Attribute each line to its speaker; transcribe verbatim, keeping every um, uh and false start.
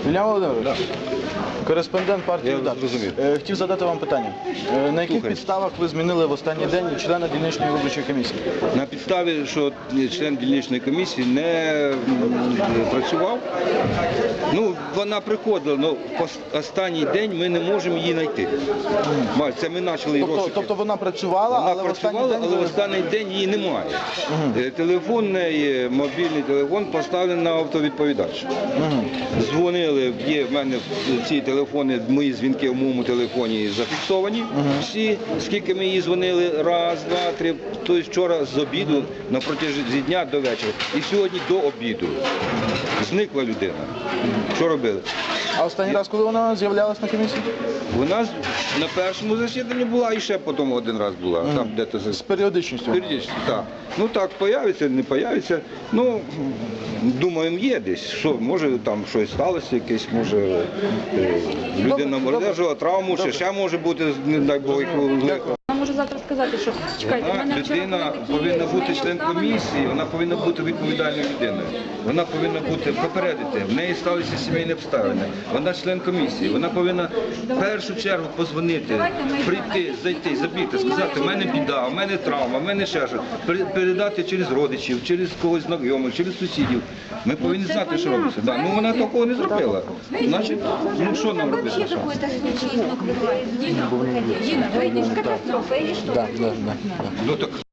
Speaker 1: Ілля Володимирович, кореспондент партії
Speaker 2: Я
Speaker 1: «Удар».
Speaker 2: зрозумів.
Speaker 1: Е, Хотів задати вам питання. Е, На яких
Speaker 2: Слухаю.
Speaker 1: підставах ви змінили в останній день члена дільничної виборчої комісії?
Speaker 2: На підставі, що член дільничної комісії не м, працював, ну, вона приходила, але останній день ми не можемо її знайти. Маль, це ми почали її
Speaker 1: Тобто,
Speaker 2: розшуки.
Speaker 1: тобто вона працювала,
Speaker 2: Вона
Speaker 1: але в останній
Speaker 2: працювала,
Speaker 1: день...
Speaker 2: але в
Speaker 1: ви-
Speaker 2: останній день її немає. Е, Телефонний, мобільний телефон поставлений на автовідповідач. Дзвонили, є в мене ці телефони, мої дзвінки в моєму телефоні зафіксовані. Всі, скільки ми їй дзвонили, раз, два, три, тобто вчора з обіду, на протязі дня до вечора. І сьогодні до обіду. Зникла людина. Що робили?
Speaker 1: А останній раз, коли вона з'являлась на комісії?
Speaker 2: Вона на першому засіданні була і ще потім один раз була. Там де-то
Speaker 1: З періодичністю?
Speaker 2: Періодично, так. Ну так, появиться, не появиться. Ну, думаємо, є десь. Що, може там щось сталося, якесь, може е, людина
Speaker 1: Добре,
Speaker 2: одержала травму, ще, ще може бути, не дай Бог,
Speaker 1: Дякую.
Speaker 3: Я можу завтра сказати, що чекайте, в
Speaker 2: вона,
Speaker 3: мене вчора
Speaker 2: людина
Speaker 3: були такі
Speaker 2: повинна бути
Speaker 3: сімейні
Speaker 2: член
Speaker 3: обставини.
Speaker 2: комісії, вона повинна бути відповідальною людиною. Вона повинна бути попередити. В неї сталися сімейні обставини. Вона член комісії. Вона повинна в першу чергу позвонити, прийти, зайти, забігти, сказати, в мене біда, в мене травма, в мене ще щось. Пере- Передати через родичів, через когось знайомих, через сусідів. Ми повинні знати, що робиться. Да. Ну вона такого не зробила. Значить, ну що нам робити?
Speaker 3: Вообще какой-то случай, ну, бывает. Дина, выходи. Дина, выйдешь, катастрофа или что?
Speaker 1: Да, да, да.
Speaker 2: Ну так